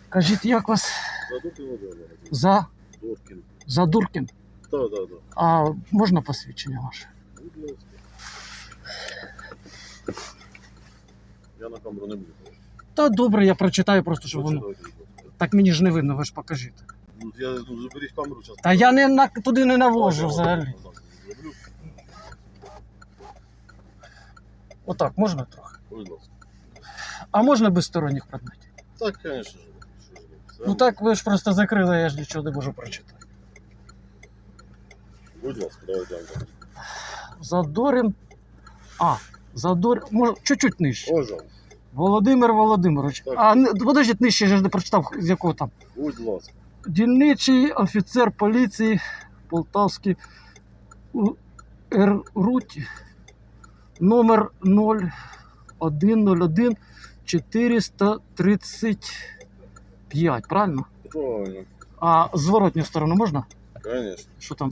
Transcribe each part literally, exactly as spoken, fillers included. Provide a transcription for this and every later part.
Кажіть, як вас? Задуркин Володимир. За? Дуркін. Задуркін? Так, так, так. А можна посвідчення ваше? Будь ласка. Я на камеру не буду. Та добре, я прочитаю просто, щоб воно... Прочитайте, будь ласка. Так мені ж не видно, ви ж покажіть. Ну, я, ну, заберіть камеру зараз. Та я не на... туди не навожу взагалі. Зроблю. Отак, можна трохи? Будь ласка. А можна без сторонніх предметів? Так, звісно ж. Що ж ви? Ну так ви ж просто закрили, я ж нічого не можу прочитати. Будь ласка, давай дякую. Задорин. А, Задорин. Може, чуть-чуть нижче. Пожалуйста. Володимир Володимирович. Так. А, не- подождіть, нижче, я ж не прочитав, з якого там. Будь ласка. Дільничий офіцер поліції Полтавський у РРУТі номер нуль один нуль один чотириста тридцять п'ять, правильно? Правильно. А зворотню сторону можна? Звісно. Що там?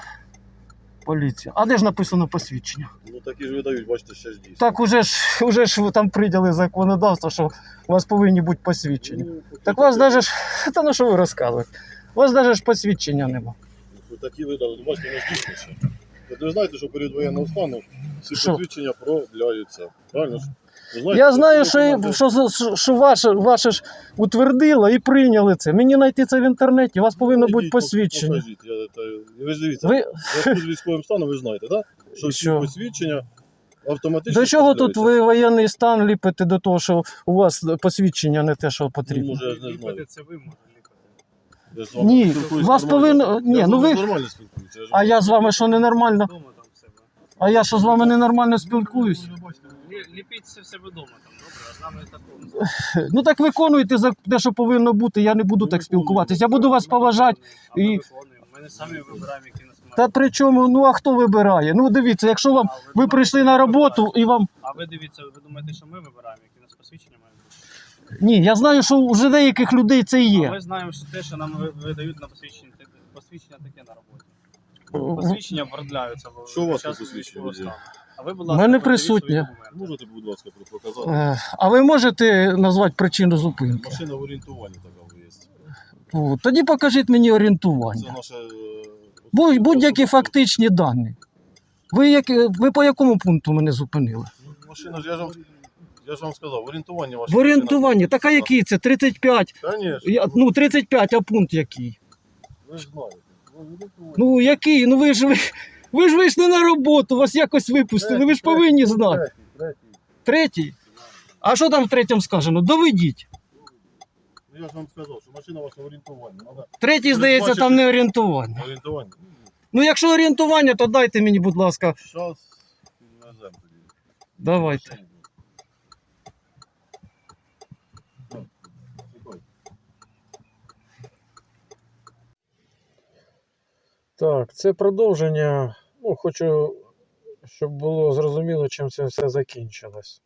Поліція. А де ж написано посвідчення? Ну такі ж видають, бачите, ще ж дійсно. Так уже ж, уже ж ви там прийняли законодавство, що у вас повинні бути посвідчення. Ну, Так у вас навіть ж, та ну що ви розказуєте? У вас навіть ж посвідчення нема. ну, такі видали, ну, бачите, не ж дійсно ще. Ви знаєте, що перед воєнного стану всі Що? посвідчення проявляються. Правильно ж? Ви знаєте, Я знаю, що, документи- що, що, що ваше, ваше ж утвердило і прийняли це. Мені знайти це в інтернеті, у вас повинно бути Ідіть, посвідчення. покажіть, я, та, ви ж дивіться, Ви... в зв'язку з військовим станом ви знаєте, так? Що всі Що? посвідчення автоматично До чого тут проявляються. ви воєнний стан ліпите до того, що у вас посвідчення не те, що Ну, потрібно? може, я ж не знаю. Ліпити це ви можете ліпити. Я ж з вами Ні, спілкуюсь вас нормально. повинно- ні, Я з ну вами ви- нормально спілкуюся. ж А я з вами що ненормально? Вдома там в себе. А я що з вами ненормально спілкуюсь? Лі- Ліпіть це в себе вдома там, добре, а з нами такого. Ну так виконуйте за те, що повинно бути, я не буду так спілкуватись. Я буду вас поважати. А ми і- виконуємо. Ми не самі вибираємо, які нас мають. Та при чому, ну а хто вибирає? Ну дивіться, якщо вам А ви ви думаєте, прийшли що на ми роботу вибираємо? і вам. А ви дивіться, ви думаєте, що ми вибираємо, які у нас посвідчення мають бути? Ні, я знаю, що вже деяких людей це і А є. ми знаємо, що те, що нам ви- видають на посвідчення, те- посвідчення таке на роботі. Посвідчення продляються. в- Що у вас під час по посвідченню військового є? стану. А ви, будь У ласка, мене придивіть свої присутнє. документи. Можете, будь ласка, показати? Е, А ви можете назвати причину зупинки? Машина в орієнтуванні така є. О, тоді покажіть мені Це орієнтування. наша... е, Будь- Будь-які особиста- фактичні дані. Ви, як, ви по якому пункту мене зупинили? Ну, Машина ж, я ж вам, я ж вам сказав, орієнтування ваше. В орієнтуванні. Так а який це? тридцять п'ять. Звісно. Я, ну, тридцять п'ять, а пункт який? Ви ж знаєте. Ну, орієнтування. Ну, який? Ну ви ж ви, ви ж вийшли на роботу, вас якось випустили, ви ж повинні знати. Третій, третій. Третій? А що там в третьому сказано? Доведіть. Ну, я ж вам сказав, що машина ваша в орієнтуванні. Надо Третій, здається, там не орієнтування. орієнтування. Ну, якщо орієнтування, то дайте мені, будь ласка. Щас веземо тоді. Давайте. Машині. Так, чекайте. Так, це продовження. Ну, хочу, щоб було зрозуміло, чим це все закінчилось.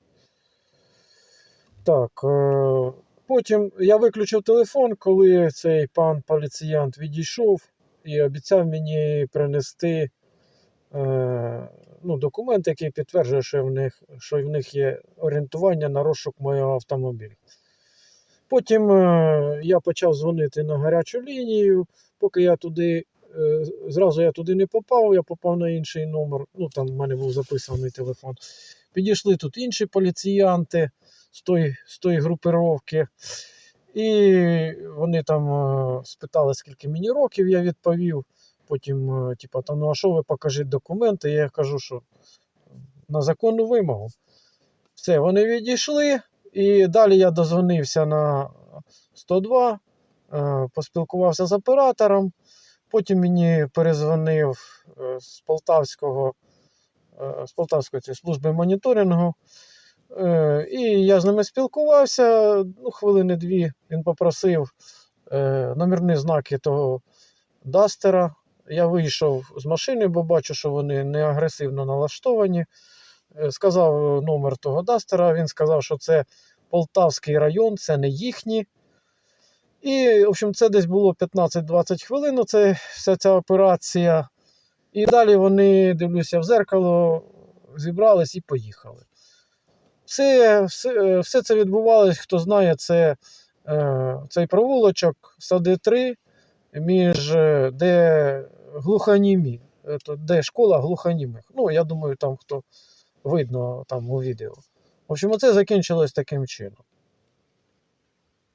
Так, е- потім я виключив телефон, коли цей пан поліціянт відійшов і обіцяв мені принести е- ну, документ, який підтверджує, що в них, що в них є орієнтування на розшук моєго автомобіля. Потім е- я почав дзвонити на гарячу лінію, поки я туди. Е, Зразу я туди не попав, я попав на інший номер. Ну, там в мене був записаний телефон. Підійшли тут інші поліціянти з тої, з тої групировки. І вони там е, спитали, скільки мені років, я відповів. Потім, е, типу, там, ну а що ви покажіть документи? Я кажу, що на законну вимогу. Все, вони відійшли. І далі я дозвонився на сто два, е, поспілкувався з оператором. Потім мені перезвонив е, з Полтавського, е, з Полтавської цієї служби моніторингу. Е, І я з ними спілкувався, ну, хвилини дві. Він попросив е, номерні знаки того Дастера. Я вийшов з машини, бо бачу, що вони не агресивно налаштовані. Е, Сказав номер того Дастера. Він сказав, що це Полтавський район, це не їхні. І, в общем, це десь було п'ятнадцять-двадцять хвилин, це вся ця операція. І далі вони, дивлюся, в зеркало, зібрались і поїхали. Все, все, все це відбувалось, хто знає, це е, цей провулочок сади три, між е, де глухонімі, е, то де школа глухонімих. Ну, я думаю, там хто видно там у відео. В общем, оце закінчилось таким чином.